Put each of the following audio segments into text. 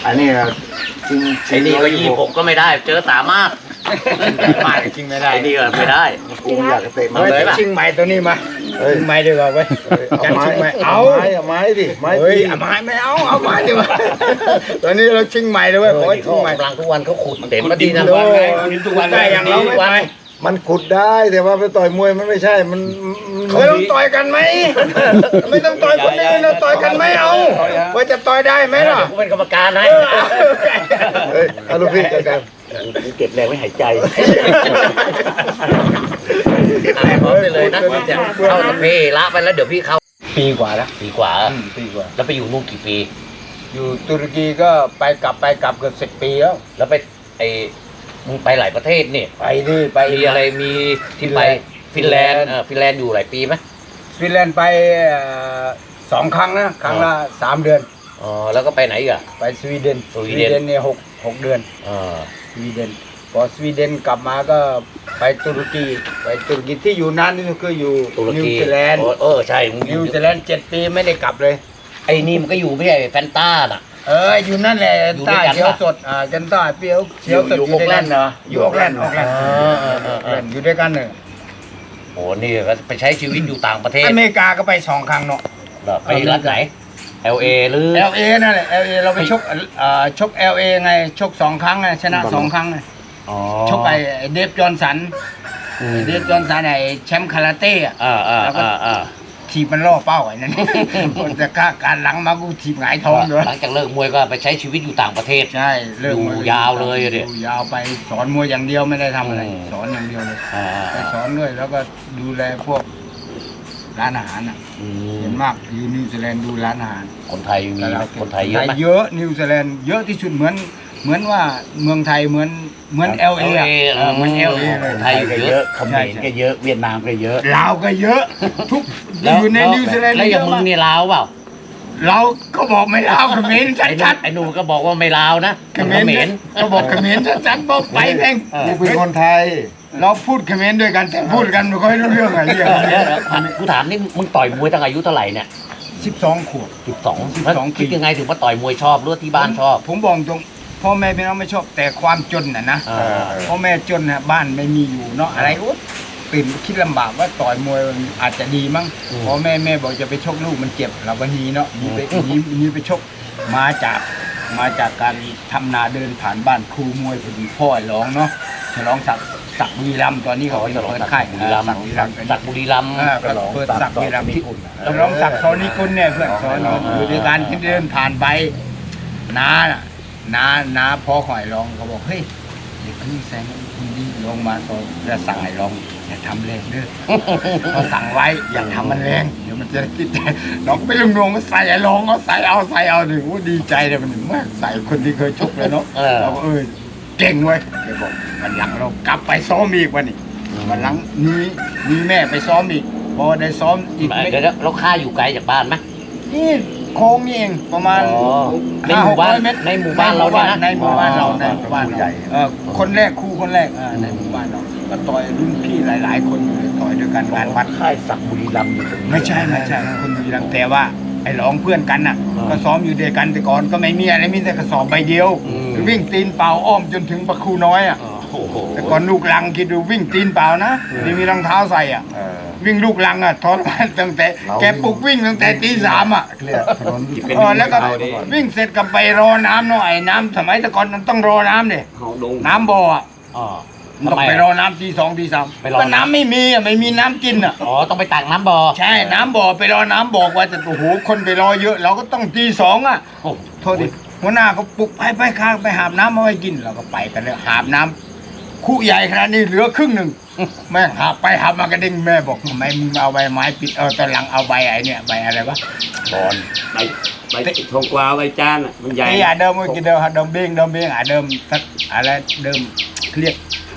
อันนี้จริงไอ้นี่ก็26ก็ไม่ได้ เจอสามารถมาจริงไม่ได้ไอ้นี่ก็ไม่ได้กูอยากจะเตะมันอา เลยป่ะชิงไม้ตัวนี้มาชิงไม้ดีกว่าเว้ยเอาไม้ชิงไม้เอาเอาไม้ดิไม้เฮ้ยตีเอาไม้ไม่เอาไม้ดีกว่าตอนนี้เราชิงไม้เลยเว้ยขอให้ชิงไม้กำลังทุกวันเขาขุดเต็มมาดีนะทุกวันได้อย่างเราไม่ไปมันขุดได้แต่ว่าไปต่อยมวยมันไม่ใช่มันไม่ต้องต่อยกันไหมไม่ต้องต่อยคนอื่นเราต่อยกันไหมเอาว่าจะต่อยได้ไหมล่ะกูเป็นกรรมการให้เฮ้ยเอาลูกพี่กันกูเก็บแรงไว้หายใจพร้อมไปเลยนะเข้าสเปรย์ละไปแล้วเดี๋ยวพี่เข้าปีกว่าแล้วปีกว่าปีกว่าแล้วไปอยู่นู่นกี่ปีอยู่ตุรกีก็ไปกลับเกือบ10 ปีแล้วแล้วไปมึงไปหลายประเทศนี่ไปดิไปมีอะไรมีที่ไปฟินแลนด์ฟินแลนด์อยู่หลายปีไหมฟินแลนด์ไป2 ครั้งนะครั้งละ3 เดือนอ๋อแล้วก็ไปไหนอีกอ่ะไปสวีเดนสวีเดนเนี่ยหกเดือนอ่าสวีเดนพอสวีเดนกลับมาก็ไปตุรกีที่อยู่นานที่สุดก็อยู่ตุรนิวกีซีแลนด์ใช่มึงอนิยู่วซีแลนด์7 ปีไม่ได้กลับเลยไอ้นี่มันก็อยู่ไม่ใช่แฟนต้าน่ะอยู่นั่นแหละอยู่ด้ใต้วยกันเขียวปะสดกันใต้เปรี้ยวเขียวสดอยู่ออกแลนด์เหรออยู่ออกแลนด์อยู่ด้วยกันเลยโอ้นี่ก็ไปใช้ชีวิตอยู่ต่างประเทศอเมริกาก็ไป2 ครั้งเนาะเหรอไปรัฐไหน LA หรือ LA นั่นแหละ LA เราไปชก LA ไงชก2 ครั้งไงชนะ2 ครั้งไงอ๋อชกไอ้เดฟจอห์นสันเดฟจอห์นสันไอ้แชมป์คาราเต้อะ แล้วก็ ถีบมันล่อเป้าไอ้นั่น มันจะกล้าการหลังมากูถีบหงายท้องเลยหลังจากเลิกมวยก็ไปใช้ชีวิตอยู่ต่างประเทศใช่เลิกอยู่ยาวเลยอะดิอยู่ยาวไปสอนมวยอย่างเดียวไม่ได้ทำอะไรอืมสอนอย่างเดียวเลยอ่าไปสอนด้วยแล้วก็ดูแลพวกร้านอาหารอ่ะอืเห็มนมากอยู่นิวซีแลนด์ดูร้านอาหารคนไทยมีไหมคนไทยเยอะไหมเยอะนิวซีแลนด์เยอะที่สุดเหมือนว่าเมืองไทยเหมือนเอลเอเหมือนเอลเอเลยไทยอยู่เยอะเขมรก็เยอะเวียดนามก็เยอะลาวก็เยอะ ทุกแล้วอยู่ในนิวซีแลนด์แล้วอย่างมึงนี่ลาวเปล่าเราก็บอกไม่ลาวเขมรชัดไอ้หนูก็บอกว่าไม่ลาวนะๆเขมรก็บอกเขมรชัดๆบอกไปแม่งนี่เป็นคนไทยเราพูดเขมรด้วยกันแต่พูดกันไม่ค่อยรู้เรื่องอะไรเงี้ยเดี๋ยวกูถามนี่มึงต่อยมวยตั้งอายุเท่าไหร่เนี่ย 12 ขวบ 12แล้วคิดยังไงถึงว่าต่อยมวยชอบหรือว่าที่บ้านชอบผมบอกตรงพ่อแม่พี่น้องไม่ชอบแต่ความจนนะอ่าพ่อแม่จนนะบ้านไม่มีอยู่เนาะอะไรอุ๊ยตื่นคิดลำบากว่าต่อยมวยมันอาจจะดีมั้งพ่อแม่บอกจะไปชกลูกมันเจ็บเราก็หนีเนาะหนีไปชกมาจากการทำนาเดินผ่านบ้านครูมวยพอดีพ่อร้องเนาะฉลองศักดิ์บุรีรัมย์ตอนนี้เขาเป็นเปิดค่ายบุรีรัมย์ศักดิ์บุรีรัมย์ศักดิ์บุรีรัมย์ก็เปิดศักดิ์บุรีรัมย์ที่ฉลองศักดิ์เขานี่คุณเนี่ยเพื่อนสอนอยู่ด้วยกันที่เดินผ่านไปน้าพ่อข่อยร้องเขาบอกเฮ้ยเด็กนี่แสงคุณดีลงมาก็จะสั่งให้ร้องอย่าทำแรงเด้อเขาสั่งไว้อย่าทำมันแรงเดี๋ยวมันจะคิดน้องไปลุงนงก็ใส่ไอ้ร้องก็ใส่เอาหนึ่งดีใจเลยมันมากใส่คนที่เคยชกเลยเนาะเราก็เก่งเว้ยแกบอกวันหลังเรากลับไปซ้อมอีกวันนี้วันหลังมีแม่ไปซ้อมอีกพอได้ซ้อมอีกเดี๋ยวเราค่าอยู่ไกลจากบ้านไหมนี่โค้งนี่เองประมาณในหมู่บ้าน 500 เมตรในหมู่บ้านเราเนี่ยนะในหมู่บ้านเราในอ๋อหมู่บ้านใหญ่เราคนแรกคนแรกในหมู่บ้านเราก็ต่อยรุ่นพี่หลาย ๆ คนเลยต่อยด้วยกันงานวัดค่ายศักดิ์บุรีรัมย์อยู่ตรงนี้ไม่ใช่คนบุรีรัมย์แต่ว่าไอ้ร้องเพื่อนกันน่ะ ก็ซ้อมอยู่ด้วยกันแต่ก่อนก็ไม่มีอะไรมีแต่กระสอบใบเดียว วิ่งตีนเปล่าอ้อมจนถึงประคูน้อยอ่ะโอ้โหแต่ก่อนลูกลังคิดดูวิ่งตีนเปล่านะไม่มีรองเท้าใส่อ่ะ วิ่งลูกลังอ่ะทรมานตั้งแต่แกปลุกวิ่งตั้งแต่ตี 3อ่ะเรียกถนนแล้วก็วิ่งเสร็จก็ไปรอน้ำหน่อยน้ำสมัยแต่ก่อนมันต้องรอน้ำเนี่ยน้ำบ่ออ่ะอ๋อต้องไปรอน้ำตี 2 ตี 3 ไปรอน้ำก็น้ำไม่มีอ่ะไม่มีน้ำกินอ่ะอ๋อต้องไปตักน้ำบ่อใช่น้ำบ่อไปรอน้ำบ่อกว่าจะโอ้โหคนไปรอเยอะ เราก็ต้องตี 2อ่ะโอ้โทษดิหัวหน้าเขาปลุกไปข้างไปหาบน้ำมาไว้กินเราก็ไปกันเลยหาบน้ำคู่ใหญ่ขนาดนี้เหลือครึ่งหนึ่งแม่งหาบไปหาบมากระเด้งแม่บอกทำไมมึงเอาใบไม้ปิดตอนหลังเอาใบไอ้เนี่ยใบอะไรวะบอนใบทองกวาวใบจานอ่ะมันใหญ่ไอ้เดิมเมื่อกี้เดิมเบงเดิมทักอะไรเดิมเรียก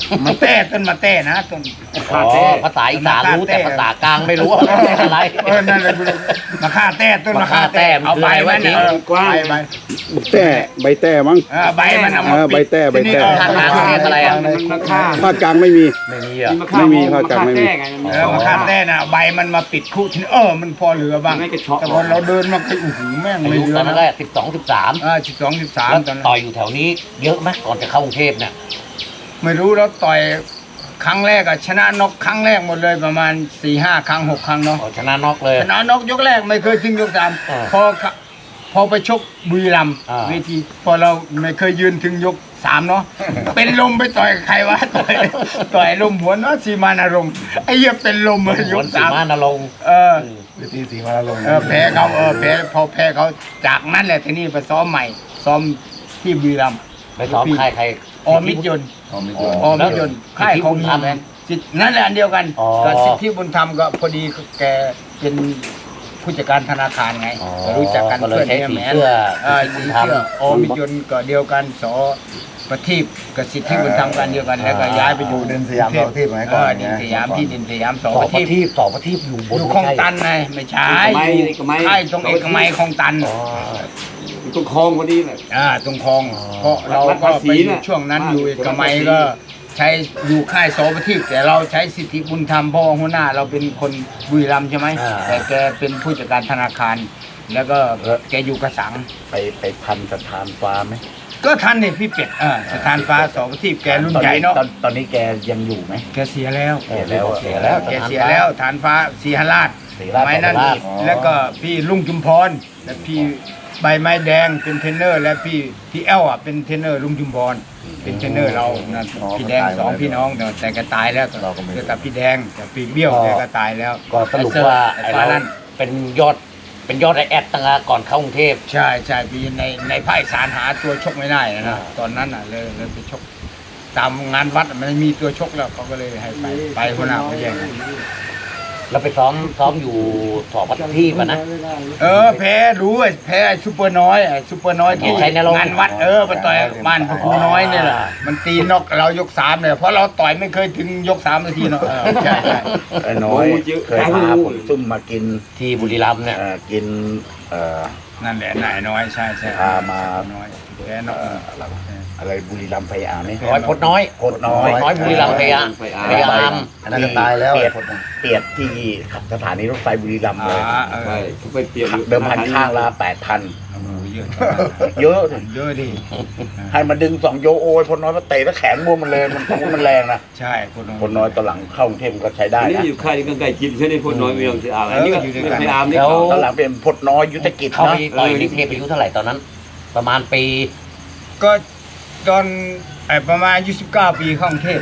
มันเต้ต้นมาเต้นะต้นอ๋อภาษาอีสานรู้แต่ภาษากลางไม่รู้ว่าเป็นอะไรนั่นแหละมาฆ่าเต้ต้นมาฆ่าเต้เอาใบมันเนี่ยใบแต่ใบแต่มั้งใบมันเอามาใบแต่ใบแต่ภาคกลางเรียกอะไรอ่ะภาคกลางไม่มีไม่มีอ่ะไม่มีภาคกลางไม่มีมาฆ่าเต้น่ะใบมันมาปิดคู่ทีนี้มันพอเหลือบ้างแต่พอเราเดินมาโอ้โหแม่งอาไม่ยุเหลืตออนนั้นนะก็12 13 12 แล้ว 13ตอนนั้นต่อยอยู่แถวนี้เยอะไหมก่อนจะเข้ากรุงเทพเนี่ยไม่รู้แล้วต่อยครั้งแรกชนะน็อกครั้งแรกหมดเลยประมาณ 4-5 ครั้ง 6 ครั้งเนาะชนะน็อกเลยชนะน็อกยกแรกไม่เคยถึงยกสามอ่าพอไปชกบุรีรัมย์อ่าเวทีพอเราไม่เคยยืนถึงยก 3เนาะ เป็นลมไปต่อยใครวะต่อยลมหัวเนาะสีมานอารมณ์ไอ้เหี้ยเป็นลมเลยยยกกสี 3 มานรงค์เวทีสีมาลงแพ้เขาแพ้พอแพ้เขาจากนั้นแหละทีนี้ไปซ้อมใหม่ซ้อมที่บุรีรัมย์ไปซ้อมค่ายใครอมิตรยนต์อ๋อมีอมิตรยนต์ค่ายของสิทธิบุญธรรมสิทธิ์นั่นแหละอันเดียวกันอ๋อก็สิทธิบุญธรรมก็พอดีแกเป็นผู้จัดการธนาคารไงอ๋อก็รู้จักกันก็เลยใช้สีเสื้อสีเสื้ออมิตรยนต์ก็เดียวกันสประทีปกับสิทธิบุญธรรมกันเดียวกันแล้วก็ย้ายไปอยู่เดินสยามเราที่ไหนก่อนดินสยามที่ดินสยามสสอองประประทีปทีปสองประทีปอยู่บนอยู่คลองตันไงไม่ใช่เอกมัยใช่ตรงเอกมัยคลองตันอ๋อตรงคลองพอดีเลยตรงคลองอ๋อเพราะเราก็ไปอยู่น่ะช่วงนั้นบ้านอยู่เอกมัยคนละภาษีก็ใช้อยู่ค่ายโสประทีปแต่เราใช้สิทธิบุญธรรมเพราะว่าหัวหน้าเราเป็นคนบุรีรัมย์ใช่ไหมอ่าแต่แกเป็นผู้จัดการธนาคาร แล้วก็แกอยู่กระสังไปทันสถานฟ้าไหมก็ทันเนี่ยพี่เป็ดสถานฟ้าโสประทีปแกรุ่นใหญ่เนาะตอนนี้แกยังอยู่ไหมแกเสียแล้วเสียแล้วเสียแล้วแกเสียแล้วฐานฟ้าศรีหราชศรีราชไม้นั่นศรีราชแล้วก็พี่ลุงจุมพรและพี่ใบไม้แดงเป็นเทรนเนอร์ และพี่แอลเป็นเทรนเนอร์ลุงจุมพรเป็นเทรนเนอร์เรานั่นพี่แดงสองพี่น้องแต่แกตายแล้วเกี่ยวกับพี่แดงกับพี่เบี้ยวแกก็ตายแล้วก็สรุปว่าไอ้ไอ้ฟ้าเรานั่นเป็นยอดไอแอดตั้งแต่ก่อนเข้ากรุงเทพใช่พี่ในภาคอีสารหาตัวชกไม่ได้นะตอนนั้นเลยไปชกตามงานวัดมันมีตัวชกแล้วเขาก็เลยให้ไปหัวหน้าเขาแย่งแล้วไปซ้อมอยู่สองประทีปอะนะแพ้รู้แพ้ไอ้ซูเปอร์น้อยที่ใช้ในโรงงานวัดไปต่อยบ้านพระครูน้อยเนี่ยแหละมันตีนอกเรายก3เนี่ยเพราะเราต่อยไม่เคยถึงยก3นาทีเนาะใช่ไอ้น้อยเคยพาผมซุ่มมากินที่บุรีรัมย์เนี่ยกินนั่นแหละนายน้อยใช่พามาน้อยแพ้นอกอะไรบุรีรัมย์ไฟอาไหมร้อยพดน้อยพดน้อยน้อยบุรีรัมย์พยาพยายามอันนั้นก็ตายแล้วเปียดที่สถานีรถไฟบุรีรัมย์เลยใช่เขาไปเปลี่ยนเดิมพันข้างละ8,000 เยอะเยอะดิเยอะดิให้มาดึง2โยโอยพลน้อยมาเตะแล้วแขนบวมมันเลยมันแรงนะใช่คนพลน้อยตอนหลังเข้ากรุงเทพก็ใช้ได้อันนี้นะอยู่ค่ายนี้ก็ใกล้จิตใช่ไหมพลน้อยไม่ยอมที่อาร์อันนี้ก็ไม่อาร์นี่ตอนหลังเป็นพลน้อยยุทธกิจเข้าไปนะต่อยในเทพอายุเท่าไหร่ตอนนั้น ประมาณปีก็ตอนประมาณ29ปีเข้ากรุงเทพ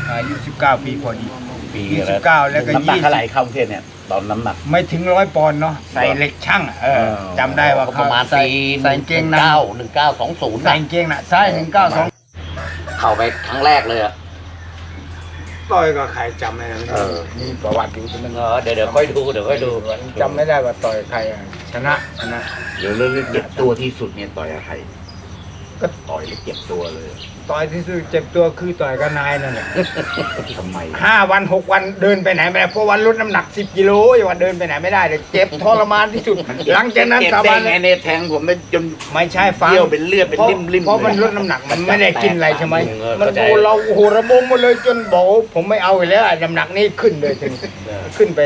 29ปีพอดีปี 29แล้วก็น้ำหนักเท่าไหร่เข้ากรุงเทพเนี่ยตอนน้ำหนักไม่ถึง100 ปอนด์เนาะใส่เหล็กช่างจำได้ว่าประมาณใส่ปีใส่กางเกงใน 1920 ใส่กางเกงน่ะใช่192 เข้าไปครั้งแรกเลยอะต่อยกับใครจำไม่ได้มีประวัติอยู่ใช่ไหมเดี๋ยวค่อยดูจำไม่ได้ว่าต่อยใครชนะเดี๋ยวเรื่องเจ็บตัวที่สุดเนี่ยต่อยกับใครก็ต่อยแล้วเจ็บตัวเลยต่อยที่สุดเจ็บตัวคือต่อยกับนายนั่นแหละทำไม 5 วัน 6 วันเดินไปไหนไม่ได้เพราะวันลดน้ำหนัก10 กิโลอย่าวันเดินไปไหนไม่ได้เลยเจ็บทรมานที่สุดหลังจากนั้นเจ็บสาได้บานไงเนี่ยแทงผมได้จนไม่ใช่ฟังเยี่ยวเป็นเลือดเป็นริ่มๆเพราะมันเลยลดน้ำหนักมันไม่ได้กินอะไรใช่ไหม มันเข้าใจโอ้เราโอ้โหระบมหมดเลยจนบอกว่าผมไม่เอาอีกแล้วน้ำหนักนี่ขึ้นเลยถึงขึ้นไป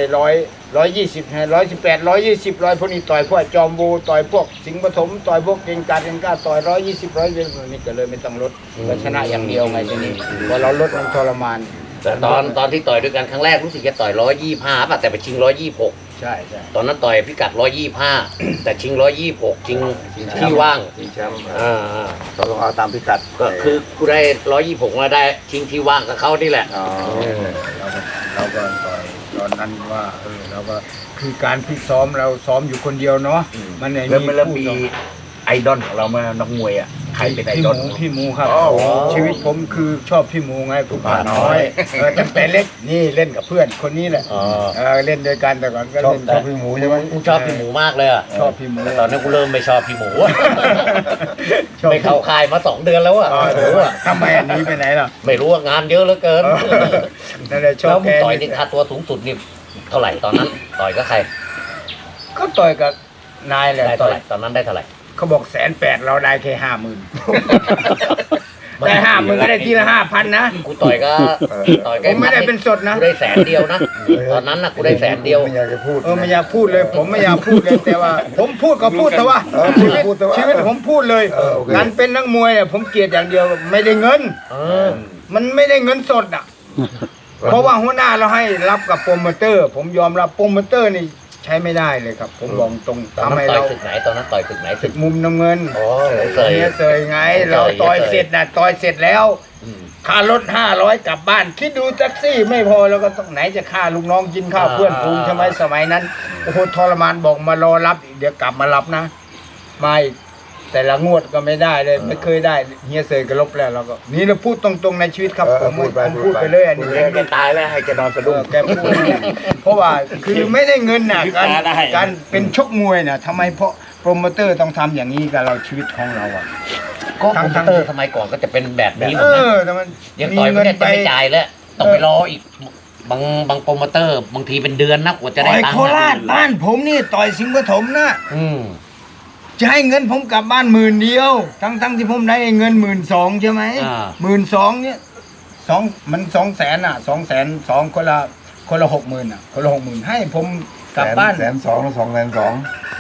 120 118 120พวกนี้ต่อยพวกจอมบูต่อยพวกสิงห์ปฐมต่อยพวกเก่งกาจเก่งกล้าต่อย120 120นี่ก็เลยไม่ต้องลดก็ชนะอย่างเดียวไงทีนี้พอเราลดมันทรมานแต่ตอนที่ต่อยด้วยกันครั้งแรกรู้สึกจะต่อย125ป่ะแต่ไปชิง126 ใช่ตอนนั้นต่อยพิกัด125แต่ชิง126ชิงที่ว่างชิงแชมป์ต้องเอาตามพิกัดก็คือกูได้126มาได้ชิงที่ว่างกับเขานี่แหละเราก็ต่อยตอนนั้นว่าเราก็คือการพิซ้อมเราซ้อมอยู่คนเดียวเนาะมันไม่แล้วมีมันแล้วคู่มีซ้อมไอดอลของเรามานักมวยอ่ะใครเป็นไอพี่ดหอลมูพี่หมูครับอ๋อชีวิตผมคือชอบพี่หมูไงผู้ป่าน้อยตั้งแต่เล็กนี่เล่นกับเพื่อนคนนี้แหละอ๋อเล่นด้วยกันแต่ก่อนก็ชอบเล่นพี่หมูใช่ไหมกูชอบพี่หมูมากเลยอะชอบพี่หมูแต่ตอนนี้กูเริ่มไม่ชอบพี่หมูชอบไม่เข้าค่ายมา2 เดือนแล้วอะทำไมอันนี้ไปไหนล่ะไม่รู้ว่างานเยอะเหลือเกินนั่นแหละชอแล้บวมึแกงต่อยนี่ค่าตัวสูงสุดนี่เท่าไหร่ตอนนั้น ต่อยก็ใครก็ต่อยกับนายแหละได้ต่เท่าอไหยร่ตอนนั้นได้เท่าไหร่เขาบอก180,000เราได้แค่50,000ได้50,000ก็ได้ทีละ5,000นะกูต่อยก็ต่อยผมไม่ได้เป็นสดนะกูได้100,000นะตอนนั้นน่ะกูได้100,000 ไม่อยากจะพูดไม่อยากพูดเลย ผมไม่อยากพูดเลยแต่ว่า ผมพูดก็พูดแต่ว่าพูดพูดแต่ว่าชีวิตผมพูดเลยโอเคการเป็นนักมวยเนี่ยผมเกลียดอย่างเดียวไม่ได้เงิน มันไม่ได้เงินสดอ่ะ เพราะว่าหัวหน้าเราให้รับกับโปรโมเตอร์ ผมยอมรับโปรโมเตอร์นี่ใช้ไม่ได้เลยครับ ผมบอกตรงตอนทำนั้นให้ต่อยเราศึกไหนตอนนั้นต่อยศึกไหนศึกมุมน้ำเงินอ๋อเคยเนี่ยเสยไง เราต่อยเสร็จนะต่อยเสร็จแล้วค่ารถ500กลับบ้าน คิดดูแท็กซี่ไม่พอแล้วก็ต้องไหนจะค่าลูกน้องกินข้าวเพื่อนฝูงใช่ไหมสมัยนั้นโอ้โหทรมานบอกมารอรับอีกเดี๋ยวกลับมารับนะมาอีกแต่ละงวดก็ไม่ได้เลยไม่เคยได้เฮียเสยก็ลบแล้วเราก็นี่เราพูดตรงๆในชีวิตครับผมพูดไปเลยอันนี้เล่นไม่ตายแล้วให้แกนอนสะดุ้งแกพูดเพราะว่าคือไม่ได้เงินน่ะการเป็นชกมวยน่ะทำไมเพราะโปรโมเตอร์ต้องทำอย่างนี้กับเราชีวิตของเราอ่ะก็โปรโมเตอร์สมัยก่อนก็จะเป็นแบบนี้หมดนะแต่มันยังต่อยไม่ได้จะไม่จ่ายแล้วต้องไปรออีกบางโปรโมเตอร์บางทีเป็นเดือนนะกว่าจะต่ได้อยตังโคค์ราชบ้านผมนี่ต่อยสิงห์ปฐมนะอืมจะให้เงินผมกลับบ้าน10,000เดียว ทั้งที่ผมได้เงิน12,000ใช่ไหม12,000เนี่ยมัน200,000อ่ะ200,002คนละ60,000อ่ะคนละ60,000ให้ผมกลับบ้าน 102,000แล้ว202,000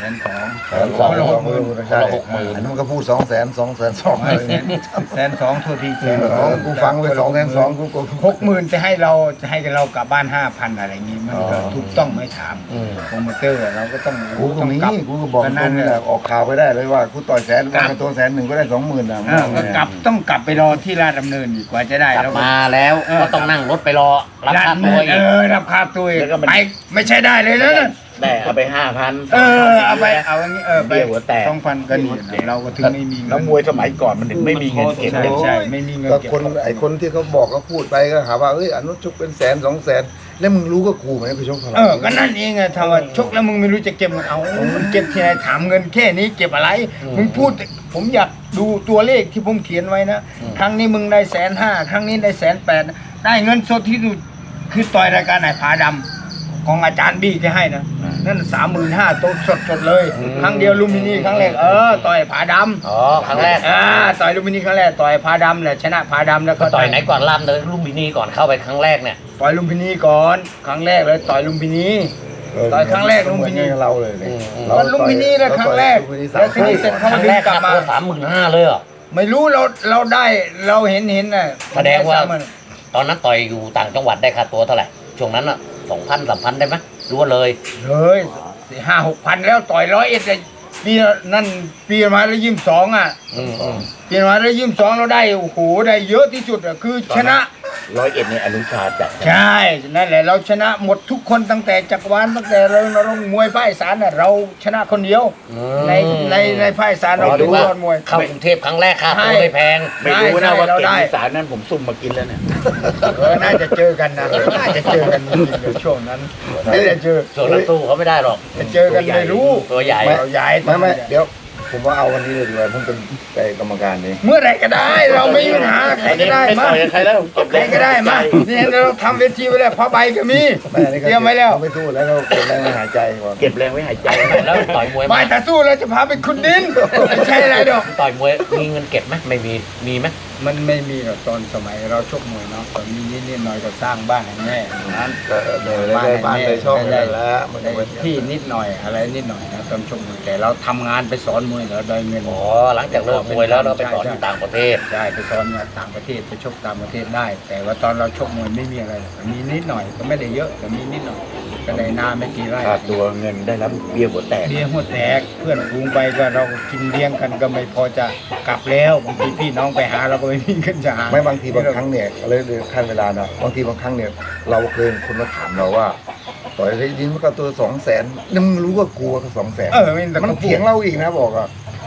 102,000คนละ60,000 ใช่อันนั้นมันก็พูด200,000 อะไรเนี่ย 102,000โทษทีกูฟังไป202,000กู 60,000จะให้เรากลับบ้าน 5,000 อะไรอย่างงี้มันก็ถูกต้องไม่ถามโปรโมเตอร์เราก็ต้องกูตรงนี้กลับกูก็บอกตรงนี้แหละออกข่าวไปได้เลยว่ากูต่อย100,000ว่าตัว100,000ก็ได้20,000นะก็ต้องกลับไปรอที่ราชดำเนินอีกกว่าจะได้กลับแล้วมาแล้วก็ต้องนั่งรถไปรอรับค่าตัวอีกรับค่าตัวอีกไปไม่ใช่ได้เลยนะแต่เอาไป5,000 เอาไปเอาอย่างนี้ไปเบี้ยหัวแตก 2,000ก็นี่เราก็ถึงไม่มีเงิแล้วนมวยสมัยก่อนมันถึงไม่มีเงินเก็บใช่เลยใช่ไม่มีเงินก็เก็บคนไอ้คนที่เขาบอกเขาพูดไปก็หาว่าเอ้ยอนุชกเป็น100,000 200,000แล้วมึงรู้ก็กูไหมไปชกเท่าไหร่ก็นั่นเองไงถ้าว่าชกแล้วมึงไม่รู้จะเก็บเงินเอามันเก็บที่ไหนถามเงินแค่นี้เก็บอะไร มึงพูดผมอยากดูตัวเลขที่ผมเขียนไว้นะครั้งนี้มึงได้150,000ครั้งนี้ได้180,000ได้เงินสดที่สุดคือต่อยรายการไหนผาดำของอาจารย์บี้ที่ให้นะนั่น35,000ตัวสดเลยครั้งเดียวลูมินีครั้งแรกต่อยผาดำอ๋อครั้งแรกต่อยลูมินีครั้งแรกต่อยผาดำแหละชนะผาดำแล้วก็ก็ต่อยไหนก่อนล่ำเลยลุมพินีก่อนเข้าไปครั้งแรกเนี่ยต่อยลุมพินีก่อนครั้งแรกเลยต่อยลุมพินี ต่อยครั้งแรกลุมพินีเราเลยมันลุมพินีเลยครั้งแรกแล้วทีนี้เสร็จคเขารั้งดึแรง กกลับค่ามาตัว35,000เลยเหรอไม่รู้เราได้เราเห็นน่ะแสดงว่า ตอนนั้นต่อยอยู่ต่างจังหวัดได้ค่าตัวเท่าไหร่ช่วงนั้นอ่ะ2,000 3,000ได้ไหมรู้ว่าเลยเลย5-6,000แล้วต่อย101เลยปีนั่นปีมาแล้ว22อ่ะปีมาแล้ว22เราได้โอ้โหได้เยอะที่สุดอ่ะคือชนะ 101ในอนุชาจัดใช่นั่นแหละเราชนะหมดทุกคนตั้งแต่จักรวาลตั้งแต่เรามวยภาคอีสานน่ะเราชนะคนเดียวในภาคอีสานเราดูยอดมวยเข้ากรุงเทพครั้งแรกค่าตัวไม่แพงไม่รู้นะว่าเราเก่งได้อีสานนั้นผมซุ่มมากินแล้วเนี่ยน่าจะเจอกันนะน่าจะเจอกันจริงๆในช่วงนั้นไม่ได้เจอส่วนนั้นสู้เขาไม่ได้หรอกจะเจอกันไม่รู้ตัวใหญ่เราย้ายไม่เดี๋ยวผมว่าเอาวันนี้เลยดีกว่าผมเป็นกรรมการเองเมื่อไหรก็ได้เราไม่มีปัญหาใครก็ได้ไม่มาต่อยกับใครแล้วผมเก็บใครก็ได้มานี่เราทำเวทีไว้แล้วผ้าใบก็มีเตรียมไว้แล้วไม่สู้แล้วเราเก็บแรงหายใจก่อนเก็บแรงไว้หายใจแล้วต่อยมวยไม่ถ้าสู้เราจะพาไปขุดดินไม่ใช่อะไรดอกต่อยมวยมีเงินเก็บไหมไม่มีไหมมันไม่มีหรอกตอนสมัยเราชกมวยเนาะตอนมีนิดหน่อยก็สร้างบ้านให้แม่นั้นได้บ้านได้ช่องได้แล้วมันได้ที่นิดหน่อยอะไรนิดหน่อยนะตอนชกมวยแต่เราทำงานไปสอนมวยเราได้เงินอ๋อหลังจากเลิกมวยแล้วเราไปสอนอยู่ต่างประเทศใช่ไปสอนงานต่างประเทศไปชกต่างประเทศได้ แต่ว่าตอนเราชกมวยไม่มีอะไรหรอกมีนิดหน่อยก็ไม่ได้เยอะแต่มีนิดหน่อยก็ได้นาไม่กี่ไร่ค่าตัวเงินได้รับเบี้ยหัวแตกเลี้ยงหัวแตกเพื่อนฟูงไปก็เราก็กินเลี้ยงกันก็ไม่พอจะกลับแล้วบางทีพี่น้องไปหาเราก็ไม่มีเงินจะหาไม่บางทีบางครั้งเนี่ยเลยขั้นเวลานะบางทีบางครั้งเนี่ยเราเคยคนมาถามเราว่าต่อยได้ยินว่าตัว200,000นี่มึงรู้ว่ากลัวก็200,000 ไม่แต่มันเขาพูเถีดยงเราอีกนะบอกอ่ะ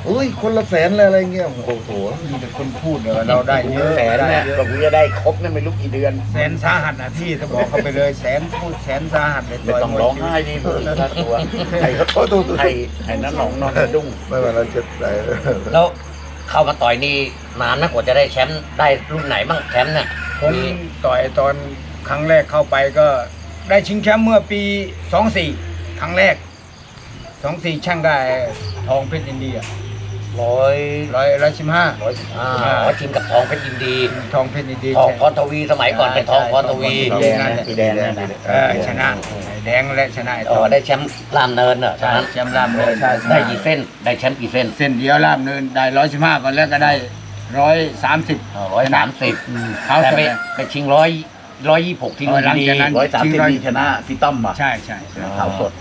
อุ้ยคนละแสนเลยอะไรเงี้ยโอ้โหมีแต่คนพูดเลยว่าเราได้เยอะแสนได้เนี่ยเยอะก็จะได้ครบเนี่ยไม่รู้กี่เดือนแสนสาหัสนะพี่ถ้าบอกเขาไปเลยแสนพูดแสนสาหัสเลยไม่ต้องร้องไห้ดิมึงค่าตัวไอ้เขาไอ้นั่นหนองนอนกระดุ้งไม่ว่าเราจะได้แล้วเข้ามาต่อยนี่นานนะกว่าจะได้แชมป์ได้รุ่นไหนบ้างแชมป์เนี่ยผมมีต่อยตอนครั้งแรกเข้าไปก็ได้ชิงแชมป์เมื่อปี 24 ครั้งแรก 24 ช่างได้ทองเพชรอินเดีย 115 ทีมกับทองเพชรยินดีทองเพชรอินเดียทองพรทวีสมัยก่อนเป็นทองพรทวีสีแดงนะสีแดงนะชนะแดงและชนะไอ้อ๋ทอองได้แชมป์ลามเนินเหรอตอนนั้นแชมป์รามเลยใช่ได้กี่เส้นได้แชมป์กี่เส้นเส้นเดียวรามเนินได้115ก่อนแล้วก็ได้130 130 เขาแต่ไปไปชิง126ที่ลุมหลังพินีจากนั้น 130นี่ชนะพี่ต้อมมาใช่ขาวสด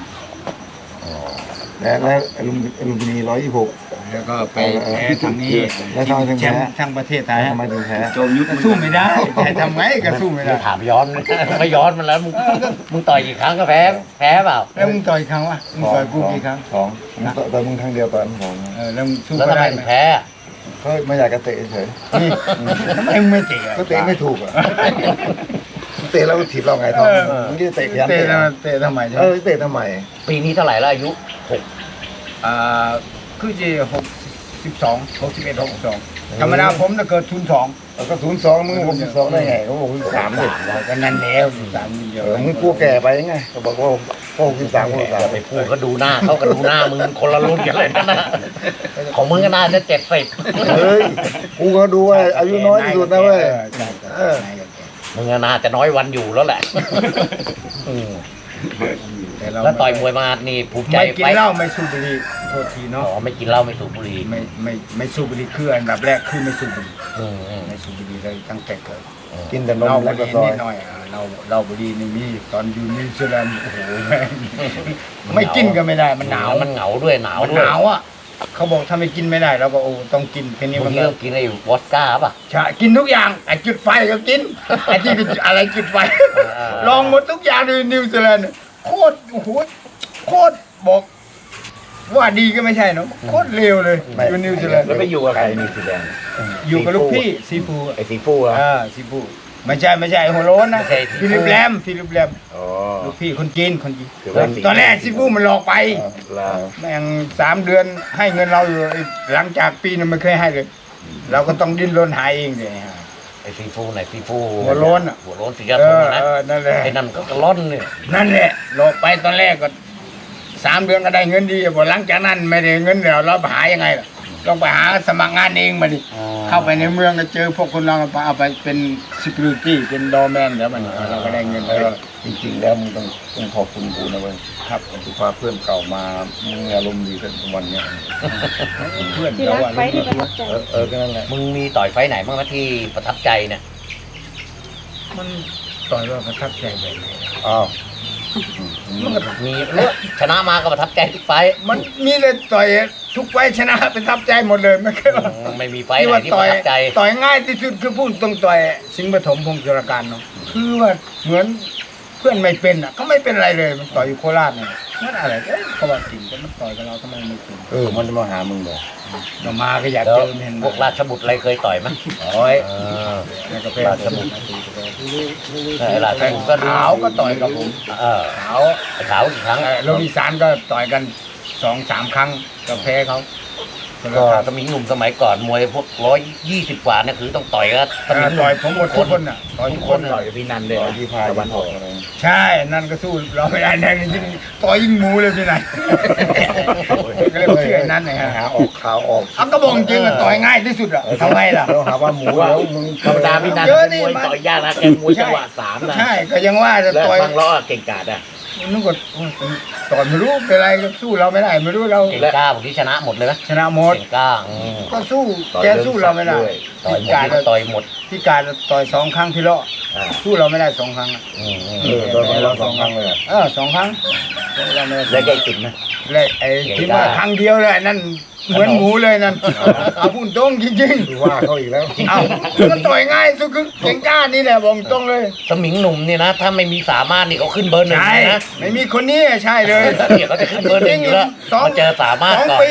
และลุมพินี126 แล้วก็ไปแพ้ทางนี้แล้วทำไมถึงแชแพ้มป์ทั้งประเทศไทยทำไมถึงแพ้โจมยุทธก็สู้ไม่ได้แต่ทำไงก็สู้ไม่ได้ถามย้อน ไม่ย้อนมันแล้วมึงต่อยกี่ครั้งก็แพ้เปล่าแล้วมึงต่อยครั้งวะมึงต่อยกูกี่ครั้งสองต่อยมึงครั้งเดียวตอนสองแล้วมึงสู้แล้วก็ทำไมได้ถึไหมงแพ้ก็ไม่อยากจะเตะเฉยนี่ทำไมมึงไม่เตะอะก็เตะไม่ถูกอ่ะเตะแล้วถีบเราไงทองมึงจะเตะยันเตะแล้วเตะทำไมใช่ไหมเตะทำไมปีนี้เท่าไหร่แล้วอายุคือจะ61 62ธรรมดาผมจะเกิด02 ก็02มึง62ได้ไงเขาบอก63ดิก็นั่นแล้ว3นิดเดียวมึงกลัวแก่ไปไงเขาบอกว่า63 อย่าไปพูดก็ดูหน้าเขาก็ดูหน้ามึงคนละรุ่นกันเลยนั่นนะของมึงก็น่าจะ70 เฮ้ยกูก็ดูว่าอายุน้อยที่สุดนะเว้ยมึงก็น่าจะน้อยวันอยู่แล้วแหละ แล้วต่อยมวยมานี่ภูมิใจไม่กินเหล้าไม่สูบบุหรี่โทษทีอ๋เนาะอไม่กินเหล้าไม่สูบบุหรี่ไม่สูบบุหรี่คืออันดับแรกคือไม่สูบบุหรี่อืมไม่สูบบุหรี่เลยตั้งแต่เกิดกินแต่นเหล้าม บุแล้วหก็รี่ซอนิยดหน่อยเหล้าบุหรี่นี่มีตอนอยู่นิวซีแลนด์โอ้โหแม่งไม่กินก็ไม่ได้มันหนาวมันเหงาด้วยหนาวมันด้หวยนาวอ่ะเขาบอกถ้าไม่กินไม่ได้เราก็โอ้ต้องกินแค่นี้บามังนทีก็ก็กินไอ้วอดก้าป่ะใช่กินทุกอย่างไอ้จุดไฟก็กินไอ้ที่อะไรจุดไฟ ลองหมดทุกอย่างในนิวซีแลนด์โคตรโอ้โหโคตรบอกว่าดีก็ไม่ใช่เนาะโคตรเลวเลยอยู่นิวซีแลนด์แล้วไปอยู่กับใครนิวซีแลนด์อยู่กับลูกพี่ซีฟูไอ้สีฟูอ่ะซีฟูไม่ใช่ไอ้หัวโล้นนะฟิลิปแรมอ๋อลูกพี่คนจีนคือว่าตอนแรกซีฟูมันหลอกไปแล้วแม่ง3 เดือนให้เงินเราอยู่หลังจากปีนึงไม่เคยให้เลย เราก็ต้องดิ้นรนหาเองเลยฮะไอ้ซีฟูไหนซีฟูหัวโล้นอะหัวโล้นสีกระทงนะนั่นแหละไอ้นั่นก็กระล่อนเนี่ยนั่นแหละหลอกไปตอนแรกก็3 เดือนก็ได้เงินดีพอหลังจากนั้นไม่ได้เงินแล้วเราหายังไงล่ะต้องไปหาสมัครงานเองมาดิเข้าไปในเมืองก็เจอพวกคนเราเอาไปเป็น security เป็นดอแมนแล้วมันเราก็ได้เงินแล้วจริงๆแล้วมึงต้องขอบคุณกูนะเว้ยครับกูพาเพื่อนเก่ามามึงอารมณ์ดีกันวันเนี้ยเพื่อนที่เรารักอะไฟที่ประทับใจก็นั่นแหละมึงมีต่อยไฟท์ไหนบ้างนะที่ประทับใจเนี่ยมันต่อยว่าประทับใจแบบไหนอ้าวมันก็มีเลือกชนะมาก็ประทับใจทุกไฟท์มันมีเลยต่อยทุกไฟชนะประทับใจหมดเลยไม่เคยว่าไม่มีไฟท์ไหนที่ประทับใจต่อยง่ายที่สุดคือพูดตรงต่อยสิงห์ปฐมพงศ์จุลการเนาะคือว่าเหมือนเพื่อนไม่เป็นอ่ะเขาไม่เป็นอะไรเลยมันต่อยอยู่โคราชเนี่ยมันอะไรเขาบอกจริงแต่มันต่อยกับเราทำไมไม่จริงมันจะมาหามึงเลยเรามาก็อยากแล้วเจอเห็นพวกราชบุตรอะไรเคยต่อยไหมโอ้ยเออแล้วก็เพราชบุตรราชบุตรก็ดูขาวก็ต่อยกับผม ขาวขาวกี่ครั้งโรบินสันก็ต่อยกัน 2-3 ครั้งก็แพ้เขาก็สมิงหนุ่มสมัยก่อนมวยพวก120 กว่าเนี่ยคือต้องต่อยก็สมิงหนุ่ต่มอยผมหมดทุกคนอ่ะต่อยทุกคนต่อยกับพี่นันเลยที่พาตะวันออกอะไรใช่ นั่นก็สู้เราไม่ได้แน่ยิ่งต่อยยิ่งหมูเลยพี่นายก็เลยเชื่อนั่นนะฮะหาออกข่าวออกเอาก็บอกจริงอะต่อยง่ายที่สุดอะทำไมล่ะเราหาว่าหมูแล้วมึงธรรมดาพี่นันเยอะเป็นนี่มวยมันต่อยยากนะแกมวยจังหวะ3นะใช่ก็ยังว่าจะแล้วต่อยบางล้อเก่งกาจอ่ะนึกว่าต่อยไม่รู้เป็นไรก็สู้เราไม่ได้ไม่รู้เราเก่งกล้าผมที่ชนะหมดเลยนะชนะหมดเก่งกล้าก็สู้แกสู้เราไม่ได้ต่อยหมดการต่อยหมดที่การต่อย2 ครั้งที่เลาะสู้เราไม่ได้2 ครั้งโดนเรา2 ครั้งเลย 2 ครั้งสู้เราไม่ได้แล้วแกติดนะและไอ้ที่ว่าครั้งเดียวเลยนั่นเหมือนหมูเลยนั่นเอาพูดตรงจริงดูว่าเขาอีกแล้วๆเอาก็ต่อยง่ายสุดคือเก่งกล้านี่แหละบอกตรงเลยสมิงหนุ่มเนี่ยนะ ถ้าไม่มีสามารถนี่เขาขึ้นเบอร์ 1 ใช่นะไม่มีคนนี้ใช่เลยเนี่ยเขาจะขึ้นเบอร์ 1อยู่แล้วสองมาเจอสามารถ 2 ก่อนปีอะ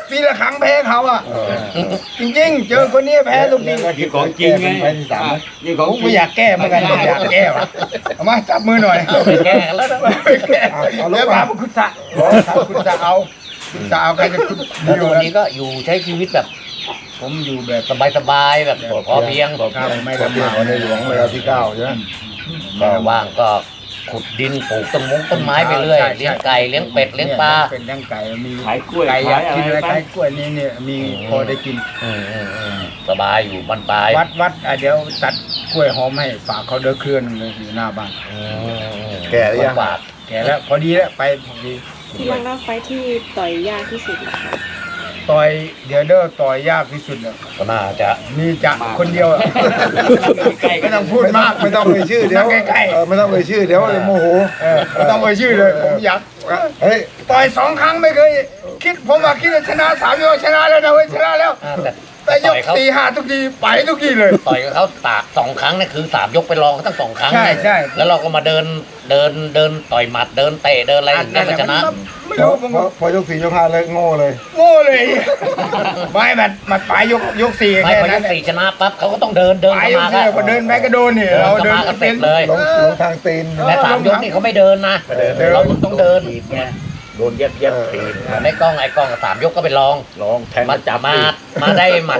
ปีละครั้งแพ้เขาอ่ะจริงๆ เจอคนนี้แพ้ทุกทีนี่ของจริงไงแพ้ที่สามนะนี่ของผมจริไม่งอยากแก้เหมือนกันอยากแก้ว่ะเอามาจับมือหน่อยไปแก้กันแล้วนะไม่แก้แล้วมาคุณสะคุณสะเอาคุณสะเอาใครจะคุณแล้วอยู่ตัวแล้วนี้ก็อยู่ใช้ชีวิตแบบผมอยู่แบบสบายๆแบบพอเพียงครับไม่ขอลำเพียบาง กของในหลวงรัชกาลที่ 9ใช่ไหมก็ว่างก็ขุดดินปลูกต้นไม้ไปเรื่อยเลี้ยงไก่เลี้ยงเป็ดเลี้ยงปลาเป็นเลี้ยงไก่มีขายกล้วยไก่อยากขายกินอะไรอะไรไปไก่กล้วยนี่เนี่ยมีพอได้กินสบายอยู่บ้านปลายวัดเดี๋ยวตัดกล้วยหอมให้ฝากเขาเด้อเคลื่อนเลยอยู่หน้าบ้านแก่หรือยังฝากแก่แล้วพอดีแล้วไปพอดีที่ลองเล่าไฟที่ต่อยยากที่สุดนะคะต่อยเดี๋ยวเด้อต่อยยากที่สุดเลยก็น่าจะมีจะคนเดียวอะใกล้ๆไม่ต้องพูดมากไม่ต้องเอ่ยชื่อเดี๋ยวนั่งใกล้ไม่ต้องเอ่ยชื่อเดี๋ยวโมโหๆไม่ต้องไปชื่อเลยผมอยากเฮ้ยต่อย2 ครั้งไม่เคยคิดผมว่าคิดว่าชนะ3 ยกชนะแล้วนะเว้ยชนะแล้ว แต่ยกต่อยเขา 4-5ทุกทีไปทุกทีเลยต่อยกับเขาตาก2 ครั้งเนี่ยคือ3 ยกไปรองเขาตั้ง2 ครั้งใช่เนี่ยใช่แล้วเราก็มาเดินต่อยหมัดเดินเตะเดินอะไรถึงได้มาชนะไม่รู้ผมพอยก4ยก5เลยโง่เลยโง่เลยไม่มันไปยก4 ไม่แค่พอนั้ยนก4ชนะปั๊บเขาก็ต้องเดินไปเข้ายกมา 4พอเดินไปก็โดนนี่เราเดินเข้ามาก็เสร็จเลยลงทางตีนแต่3 ยกนี่เขาไม่เดินนะเราต้องเดินถีบไงโดนเย็บถีบในกล้อง3 ยกก็ไปลองลองแทงมาจับมาได้หมัด